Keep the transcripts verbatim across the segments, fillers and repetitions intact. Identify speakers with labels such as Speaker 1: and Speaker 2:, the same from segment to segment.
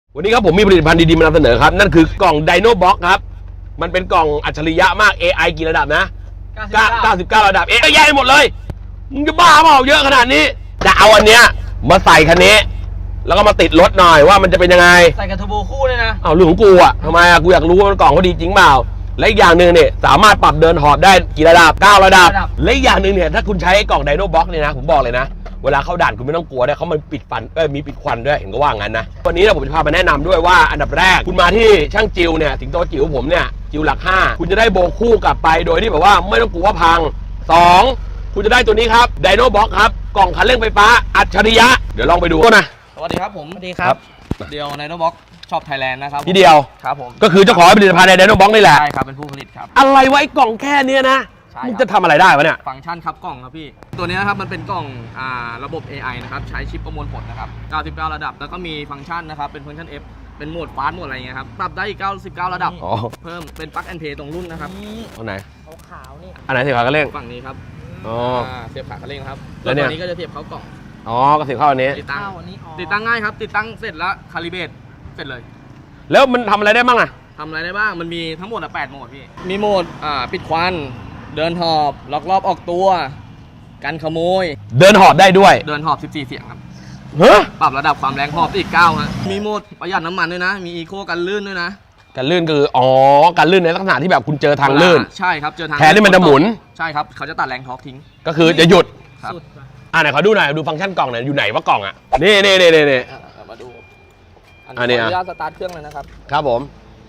Speaker 1: วันนี้ครับผมมีผลิตภัณฑ์ดีๆมานำเสนอครับนั่นคือกล่อง Dynobox ครับมันเป็นกล่องอัจฉริยะมาก เอ ไอ กี่ระดับนะเก้าสิบเก้าระดับ เอ ไอ แย่หมดเลยมึงจะบ้าเปล่าเยอะขนาดนี้จะเอาอันเนี้ยมาใส่คันนี้แล้วก็มาติดรถหน่อยว่ามันจะเป็นยังไง
Speaker 2: ใส่กับเทอร์โบคู่เลยนะ
Speaker 1: เอาเรื่องของกูอะทำไมอะกูอยากรู้ว่ามันกล่องเขาดีจริงเปล่าและอีกอย่างหนึ่งเนี่ยสามารถปรับเดินหอบได้กี่ระดับเก้าระดับและอีกอย่างหนึ่งเนี่ยถ้าคุณใช้กล่อง Dynobox เนี่ยนะผมบอกเลยนะเวลาเข้าด่านคุณไม่ต้องกลัวด้วยเขามันปิดฟันเอ้ยมีปิดควันด้วยเห็นก็ว่างั้นนะวันนี้ผมจะพามาแนะนำด้วยว่าอันดับแรกคุณมาที่ช่างจิวเนี่ยสิงโตจิ๋วผมเนี่ยจิวหลักห้าคุณจะได้โบคู่กลับไปโดยที่แบบว่าไม่ต้องกลัวว่าพังสองคุณจะได้ตัวนี้ครับ Dynobox ครับกล่องคันเร่งไฟฟ้าอัจฉริยะเดี๋ยวลองไปดูกันนะ
Speaker 2: สวัสดีครับผมสวัสดีครับเดียว Dynobox ชอบไทยแลนด์นะครับ
Speaker 1: พี่เดียว
Speaker 2: ครับผม
Speaker 1: ก็คือเจ้าของผลิตภัณฑ์ใน Dynobox นี่แหละ
Speaker 2: ใช่ครับเป็นผู้ผลิตครับ
Speaker 1: อะไรไว้กล่องแค่นี้นะมึงจะทำอะไรได้วะเนี่ย
Speaker 2: ฟังก์ชันครับกล่องครับพี่ตัวนี้นะครับมันเป็นกล่องอ่าระบบ เอ ไอ นะครับใช้ชิปประมวลผลนะครับเก้าสิบเก้าระดับแล้วก็มีฟังก์ชันนะครับเป็นฟังก์ชัน F เป็นโหมดฟาสต์โหมดอะไรเงี้ยครับปรับได้อีกเก้าสิบเก้าระดับเพิ่มเป็นปลั๊กแอนด์เพย์ตรงรุ่นนะครับ
Speaker 1: อันไหน
Speaker 2: ขาวๆนี่
Speaker 1: อันไหนเสียบขาคันเร่ง
Speaker 2: ฝั่งนี้ครับ
Speaker 1: อ๋อ
Speaker 2: เสียบขาคันเร่งครับแล้วตัวนี้ก็จะเสียบเข้ากล่อง
Speaker 1: อ๋อก็เสียบเข้าอันนี้
Speaker 2: ติดตั้งติดตั้งง่ายครับติดตั้งเสร็จแล้วคาลิเบรตเสร็จเลย
Speaker 1: แล้วมันทำอะไรได้บ้างอะ
Speaker 2: ทำอะไรได้บ้างมันมีทั้งหมดแปดโหมดพี่มีโหมดอ่าปิดควันเดินหอบล็อกรอบออกตัวกันขโมย
Speaker 1: เดินหอบได้ด้วย
Speaker 2: เดินหอบสิบสี่เสียงครับ
Speaker 1: เฮ้ย
Speaker 2: ปรับระดับความแรงหอบอีกเก้าฮะมีโหมดประหยัดน้ำมันด้วยนะมีอีโคกันลื่นด้วยนะ
Speaker 1: กันลื่นคืออ๋อกันลื่นในลักษณะที่แบบคุณเจอทางลื่น
Speaker 2: ใช่ครับเจอทาง
Speaker 1: แทนที่มันจะหมุน
Speaker 2: ใช่ครับเขาจะตัดแรงทอร์กทิ้ง
Speaker 1: ก็คือจะหยุดครับอ่าไหนขอดูหน่อยดูฟังก์ชันกล่องหน่อยอยู่ไหนว่ากล่องอ่ะนี่นี่นี่นี่นี่
Speaker 2: มาดู
Speaker 1: อันนี้อ่ะ
Speaker 2: สตาร์ทเครื่องเลยนะครับ
Speaker 1: ครับผม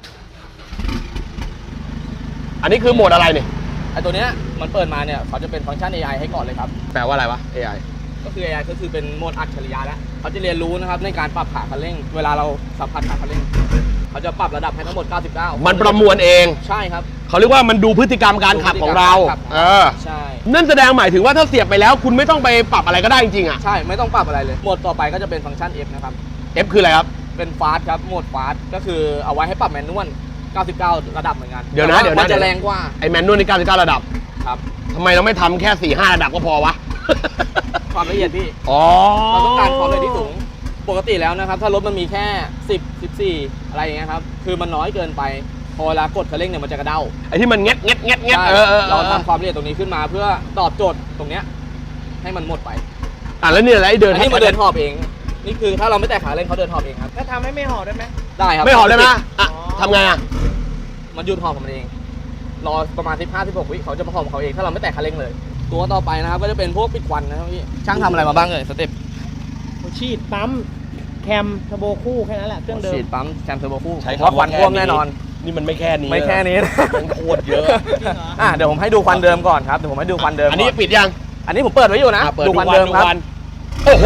Speaker 1: อันนี้คือโหมดอะไรเนี่ย
Speaker 2: ไอตัวเนี้ยมันเปิดมาเนี่ยเขาจะเป็นฟังก์ชัน เอ ไอ ให้ก่อนเลยครับ
Speaker 1: แปลว่าอะไรวะ เอ ไอ
Speaker 2: ก็คือ เอ ไอ ก็คือเป็นโหมดอัจฉริยะแล้วเขาจะเรียนรู้นะครับในการปรับขาคันเร่งเวลาเราสัมผัสขาคันเร่งเขาจะปรับระดับให้ทั้งหมดเก้าสิบเก้า
Speaker 1: มันประมวลเอง
Speaker 2: ใช่ครับ
Speaker 1: เขาเรียกว่ามันดูพฤติกรรมการขับของเราเออ
Speaker 2: ใช่
Speaker 1: นั่นแสดงหมายถึงว่าถ้าเสียบไปแล้วคุณไม่ต้องไปปรับอะไรก็ได้จริงๆอ่ะ
Speaker 2: ใช่ไม่ต้องปรับอะไรเลยโหมดต่อไปก็จะเป็นฟังก์ชัน F นะครับ
Speaker 1: F คืออะไรครับ
Speaker 2: เป็นฟาสต์ครับโหมดฟาสต์ก็คือเอาไว้ให้ปรับแมนนวลเก้าสิบเก้าระดับเหมือนกัน
Speaker 1: เดี๋ยวนะเดี๋ยวนะ
Speaker 2: มันจะแรงกว่า
Speaker 1: ไอแมนนวลนี่เก้าสิบเก้าระดับ
Speaker 2: ครับ
Speaker 1: ทำไมเราไม่ทำแค่สี่ห้าระดับก็พอวะ
Speaker 2: ความละเอียดพี่
Speaker 1: อ๋อ
Speaker 2: เราต้องการความละเอียดที่สูงปกติแล้วนะครับถ้ารถมันมีแค่สิบ สิบสี่อะไรอย่างเงี้ยครับคือมันน้อยเกินไปพอเวลากดคันเร่งเนี่ยมันจะกระเด้า
Speaker 1: ไอ้ที่มันเงี้ยเงี้ยเงี้ยเงี้ย
Speaker 2: เราทำความละเอียดตรงนี้ขึ้นมาเพื่อตอบโจทย์ตรงเนี้ยให้มันหมดไป
Speaker 1: อ่ะแล้วนี่อะไรเดิน
Speaker 2: อันนี้มาเดินหอบเองนี่คือถ้าเราไม่แตะขาเร่งเขาเดินหอบเองครับ
Speaker 3: ถ้าทำให้ไม่หอบได้ไหม
Speaker 2: ได้ครับ
Speaker 1: ไม่หอบได้ไหมอ่ะทำไงอ่ะ
Speaker 2: มันหยุดหอบของมันเองรอประมาณสิบห้า สิบหกวิเขาจะมาหอบเขาเองถ้าเราไม่แตะคันเร่งเลยตัวต่อไปนะครับก็จะเป็นพวกปิดควันนะครับพี่ช่างทำอะไรมาบ้างเลยสเต็ป
Speaker 3: ฉีดปั๊มแคมเทอร์โบคู่แค่นั้นแหละเครื่องเดิม
Speaker 2: ฉีดปั๊มแคมเทอร์โบคู่
Speaker 1: ใช้
Speaker 2: ควันท่วมแน่นอน
Speaker 1: นี่มันไม่แค่นี้
Speaker 2: ไม่แค่นี้
Speaker 1: มันโคตรเยอะ
Speaker 2: อ่ะเดี๋ยวผมให้ดูควันเดิมก่อนครับเดี๋ยวผมให้ดูควันเดิม
Speaker 1: อันนี้ปิดยัง
Speaker 2: อันนี้ผมเปิดไว้อยู่นะ
Speaker 1: ดู
Speaker 2: ควันเดิมครับ
Speaker 1: โอ้โห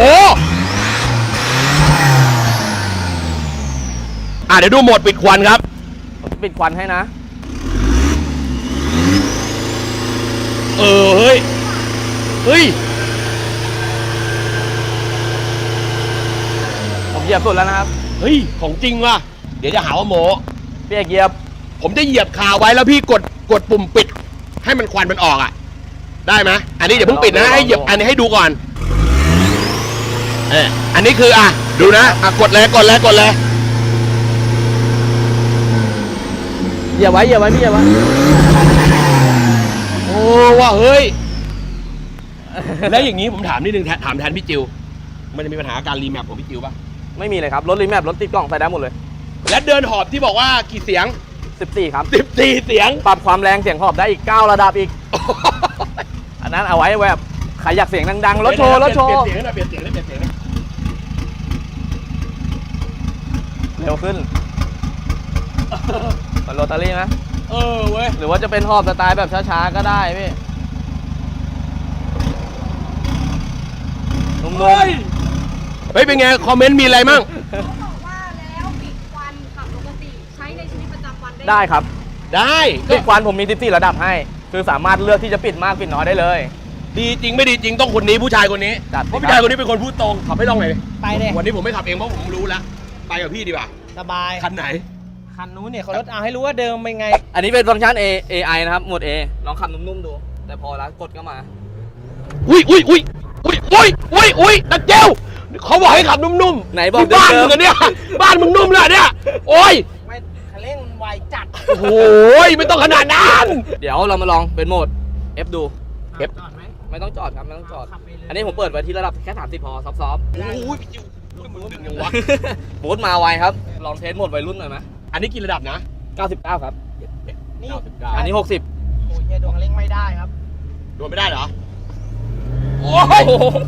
Speaker 1: อ่ะเดี๋ยวดูโหมดปิดควันครับ
Speaker 2: ปิดควันให้นะ
Speaker 1: เออเฮ้ยเฮ้ย
Speaker 2: ผมเหยียบสุดแล้วนะครับ
Speaker 1: เฮ้ยของจริงว่ะเดี๋ยวจะหาว่าโม
Speaker 2: พี่เอกเหยียบ
Speaker 1: ผมจะเหยียบคาไว้แล้วพี่กดกดปุ่มปิดให้มันควันมันออกอ่ะได้ไหมอันนี้อย่าเพิ่งปิดนะให้เหยียบอันนี้ให้ดูก่อนเอออันนี้คืออ่ะดูนะอ่ะกดเลยกดเลยกดเลย
Speaker 2: เหยียบไว้เหยียบไว้พี่เหยียบไว้
Speaker 1: โอ้ว่าเฮ้ยแล้วอย่างนี้ผมถามนิดนึงถามแทนพี่จิวมันจะมีปัญหาการรีแมปของพี่จิวป่ะ
Speaker 2: ไม่มีเลยครับรถรีแมปรถติดกล่องใส่ได้หมดเลย
Speaker 1: และเดินหอบที่บอกว่ากี่เสียง
Speaker 2: สิบสี่ครับ
Speaker 1: สิบสี่เสียง
Speaker 2: ปรับความแรงเสียงหอบได้อีกเก้าระดับอีกอันนั้นเอาไว้แบบใครอยากเสียงดังๆรถโชว์รถโชว์
Speaker 1: เปลี่ยนเสียงหน่อยเปลี่ยนเสียงเปลี่ยนเสียง
Speaker 2: เร็วขึ้นมันโรตารี่ไหม
Speaker 1: เออเว้ย
Speaker 2: หรือว่าจะเป็นหอบสไตล์แบบช้าๆก็ได้พี่นุ่มๆ
Speaker 1: เฮ้ยเป็นไงคอมเมนต์มีอะไรมั่ง
Speaker 4: เขาบอกว่าแล้วปิดควันขับปกติใช้ในชีวิตประจำวันได้
Speaker 2: ได้ครับ
Speaker 1: ได้
Speaker 2: ปิดควันผมมีสิบสี่ระดับให้คือสามารถเลือกที่จะปิดมากปิดน้อยได้เลย
Speaker 1: ดีจริงไม่ดีจริงต้องคนนี้ผู้ชายคนนี้เพราะผู้ชายคนนี้เป็นคนพูดตรงขับให้ลองหน่อย
Speaker 3: ไปเลย
Speaker 1: วันนี้ผมไม่ขับเองเพราะผมรู้แล้วไปกับพี่ดีกว่า
Speaker 3: สบาย
Speaker 1: คันไหน
Speaker 3: คันนู้นเนี่ยเขารถเอาให้รู้ว่าเดิมเป็นไง
Speaker 2: อันนี้เป็นฟังก์ชัน A เอ ไอ นะครับหมวด A ลองขับนุ่มๆดูแต่พอแล้วกดก็มา
Speaker 1: อุ้ยอุ้ยอุ้ยอุ้ยอุ้ยอุ้ยอุ้ยนักเจ้าเขาบอกให้ขับนุ่มๆ
Speaker 2: ไหนบอก
Speaker 1: บ้าน
Speaker 2: เดิ
Speaker 1: มึ
Speaker 2: ม
Speaker 1: งอะเนี่ยบ้านมึงนุ่มเลยเนี่ยโอ้ย
Speaker 3: ไม่คันเร่งไวจัด
Speaker 1: โอ้ยไม่ต้องขนาดนั้น
Speaker 2: เดี๋ยวเรามาลองเป็นโหมด F ดู
Speaker 1: F
Speaker 3: จอดไหม
Speaker 2: ไม่ต้องจอดครับไม่ต้องจอด
Speaker 3: ขับไปเลย
Speaker 2: อันนี้ผมเปิดไว้ที่ระดับแค่สามสิบพอซอฟต์
Speaker 1: โอ้ยพี่จิวมึงดึงยังวะ
Speaker 2: ๆ บูทมาไวครับลองเทสโหมดวัยรุ่นหน่อยไหม
Speaker 1: อันนี้กี่ระดับนะ
Speaker 2: เก้าสิบเก้าครับ
Speaker 3: นี่
Speaker 2: อันนี้หกสิบ
Speaker 3: โอ้ยเฮียดวงคันเร่งไม่ได้ครับ
Speaker 1: โดนไม่ได้เหรอโอ้ย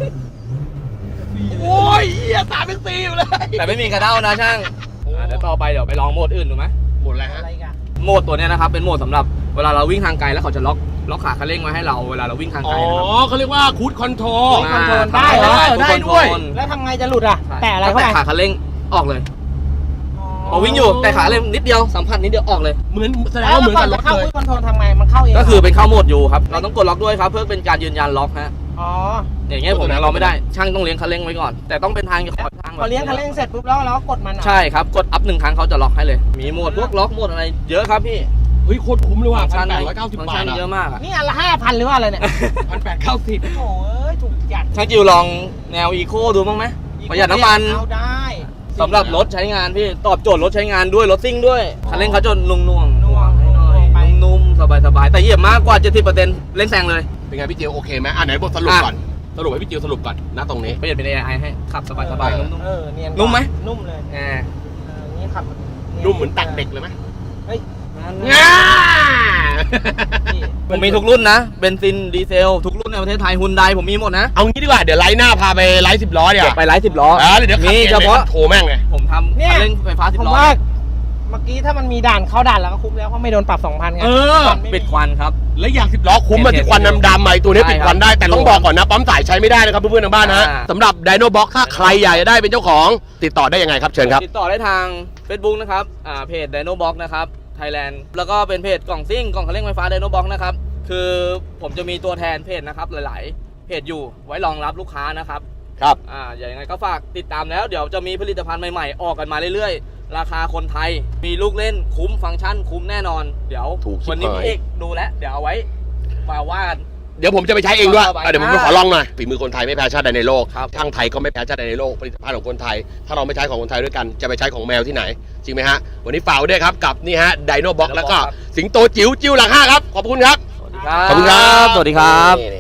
Speaker 1: โอ้ยเหี้ยสามเป็นสี่อยู่เลย
Speaker 2: แต่ไม่มีกระเด้านะช่างอ่ะเดี๋ยวต่อไปเดี๋ยวไปลองโหมดอื่นดูไหม
Speaker 1: หมดอะไรฮะ
Speaker 3: อะไรกัน
Speaker 2: โหมดตัวเนี้ยนะครับเป็นโหมดสำหรับเวลาเราวิ่งทางไกลแล้วเขาจะล็อกล็อกขาคันเร่งไว้ให้เราเวลาเราวิ่งทาง
Speaker 1: อ๋
Speaker 2: ไก
Speaker 1: อ
Speaker 2: ลนะครับ
Speaker 1: เขาเรียกว่าคูดคอนโทรล
Speaker 3: คอนโทรลได้
Speaker 2: เหรอ
Speaker 1: ได้ด้วย
Speaker 3: แล้วทำไงจะหลุดอ่ะ
Speaker 2: ใช่
Speaker 3: แต่อะไร
Speaker 2: ถ้า
Speaker 3: เข้าไป
Speaker 2: แตะขาคันเร่งออกเลยพอวิ่งอยู่แต่ขาเร่งนิดเดียวสัมผัสนิดเดียวออกเลย
Speaker 1: เหมือนแสดง
Speaker 3: แล้ว
Speaker 1: ว่าเหมือน
Speaker 3: ก่อ
Speaker 1: กัน บร
Speaker 3: จะ
Speaker 1: ถ
Speaker 3: เข้า
Speaker 1: เลย
Speaker 3: คุยคอนโทรลทำไงมันเข้าเอง
Speaker 2: ก็คือเป็นเข้าโหมดอยู่ครับเราต้องกดล็อกด้วยครับเพื่อเป็นการยืนยันล็อกฮะ
Speaker 3: อ๋อ
Speaker 2: อย่างเงี้ยผมยังเราไม่ได้ช่างต้องเลี้ยงคันเร่งไว้ก่อน แต่ต้องเป็นทางขอทางแบบ
Speaker 3: พอเลี้ยงคันเร่งเสร็จปุ๊บแล้วเราก็กดมันอ่ะ
Speaker 2: ใช่ครับกดอัพหนึ่งครั้งเขาจะล็อกให้เลย มีโหมดพวกล็อกโหมดอะไรเยอะครับพี่
Speaker 1: เฮ้ยโคตรคุ้มเลยว่ะ
Speaker 2: ฟั
Speaker 1: พั
Speaker 2: ง
Speaker 1: น
Speaker 2: ก์
Speaker 1: แป
Speaker 2: ชั
Speaker 1: ดร้อยเก้าสิบ
Speaker 2: ฟังก์
Speaker 1: บา
Speaker 2: ชั
Speaker 1: ท
Speaker 2: นเย
Speaker 1: อะ
Speaker 2: อะมากอะ
Speaker 3: นี่อันละห้าพันหรือว่าอะไรเนี่ย
Speaker 1: พันแปดเก้าสิบ
Speaker 3: โอ้ยถูกจัด
Speaker 2: ช่างจิวลองแนวอีโคดูบ้างไหมประหยัดน้ำมัน
Speaker 3: เอาได้
Speaker 2: สำหรับรถใช้งานพี่ตอบโจทย์รถใช้งานด้วยรถซิ่งด้วยคันเร่งเขาจะนุ่มๆ
Speaker 3: นุ่ม
Speaker 2: นุ่มให้หน่อย
Speaker 3: ไป
Speaker 2: นุ่มๆสบายๆแต่เหยียบมากกว่า เจ็ดสิบเปอร์เซ็นต์ เร่งแซงเลย
Speaker 1: เป็นไงพี่จิวโอเคไหมอ่ะไหนบทสรุปก่อนสรุปให้พี่จิวสรุปก่อนนะตรงนี้
Speaker 2: เปลี่ยนเป็น เอ ไอ ให้ขับสบายๆนุ่ม
Speaker 3: เออเนียน
Speaker 2: นุ่มไหม
Speaker 3: นุ่มเลย
Speaker 2: ๆอ่า
Speaker 3: เออนี่ขับ
Speaker 1: นุ่มเหมือนตักเด็กเลยไหม
Speaker 3: เฮ้ย
Speaker 1: ง่า
Speaker 3: นี่
Speaker 2: ผมมีทุกรุ่นนะเบนซินดีเซลทุกรุ่นในประเทศไทยฮุนไดผมมีหมดนะ
Speaker 1: เอางี้ดีกว่าเดี๋ยวไลฟ์หน้าพาไปไลฟ์สิบล้อเดี๋ยว
Speaker 2: ไปไลฟ์สิบล้อ
Speaker 1: อ่าเดี๋ยวขับ
Speaker 2: มี
Speaker 1: เอง
Speaker 2: เฉพาะ
Speaker 1: โทรแม่งเลย
Speaker 2: ผมทำ
Speaker 3: เนี่ย
Speaker 2: คันเร่งไฟฟ้าสิบ
Speaker 3: ผม
Speaker 2: ล้อ
Speaker 3: ว่าเมื่อกี้ถ้ามันมีด่านเข้าด่านแล้วก็คุ้มแล้วเพราะไม่โดนปรับสองพันไง
Speaker 1: เออ
Speaker 3: ตนไม่มี
Speaker 2: ปิดควันครับ
Speaker 1: และอย่างสิบล้อคุ้มมาที่ควันดำๆมาไอ้ตัวนี้
Speaker 2: ใช่
Speaker 1: ปิดควันได้แต่ต้อง
Speaker 2: ครับ
Speaker 1: บอกก่อนนะปั๊มสายใช้ไม่ได้นะครับเพื่อนๆทางบ้านนะฮะ
Speaker 2: อ่า
Speaker 1: สำหรับ Dino Box ถ้าใครอยากจะได้เป็นเจ้าของติดต่อได้ยังไงครับเชิญครับ
Speaker 2: ติดต่อได้ทาง Facebook นะครับอ่าเพจ Dino Box นะครับ Thailand แล้วก็เป็นเพจกล่องซิ่งกล่องคันเร่งไฟฟ้า Dino Box นะครับคือผมจะมีตัวแทนเพจนะครับหลายๆ เพจอยู่ไว้รองรับลูกค้านะครับ
Speaker 1: ครับ
Speaker 2: อ่าอย่างไรก็ฝากติดตามแล้วเดี๋ยวจะมีผลิตภัณฑ์ใหม่ๆ ออกกันมาเรื่อยๆ ราคาคนไทยมีลูกเล่นคุ้มฟังก์ชันคุ้มแน่นอน เดี๋ยว
Speaker 1: ถูกชิบ
Speaker 2: วันนี้
Speaker 1: หาย
Speaker 2: พี่เอกดูแล้วเดี๋ยวเอาไว้มาว่ากัน
Speaker 1: เดี๋ยวผมจะไปใช้เองด้วย
Speaker 2: ต่อไป
Speaker 1: อ่ะเดี๋ยวผมไปขอลองหน่อยฝีมือคนไทยไม่แพ้ชาติใดในโลก
Speaker 2: ครับ
Speaker 1: ช่างไทยก็ไม่แพ้ชาติใดในโลกผลิตภัณฑ์ของคนไทย ถ้าเราไม่ใช้ของคนไทยด้วยกันจะไปใช้ของแมวที่ไหนจริงไหมฮะวันนี้ฝากไว้ด้วยครับกับนี่ฮะ Dino Box แล้วก็สิงโตจิ๋วจิ๋วหลังห้าครับขอบคุณครับ
Speaker 2: สวัสดีครับ
Speaker 1: ขอบคุณครับ
Speaker 2: สวัสดีครับ
Speaker 1: นี่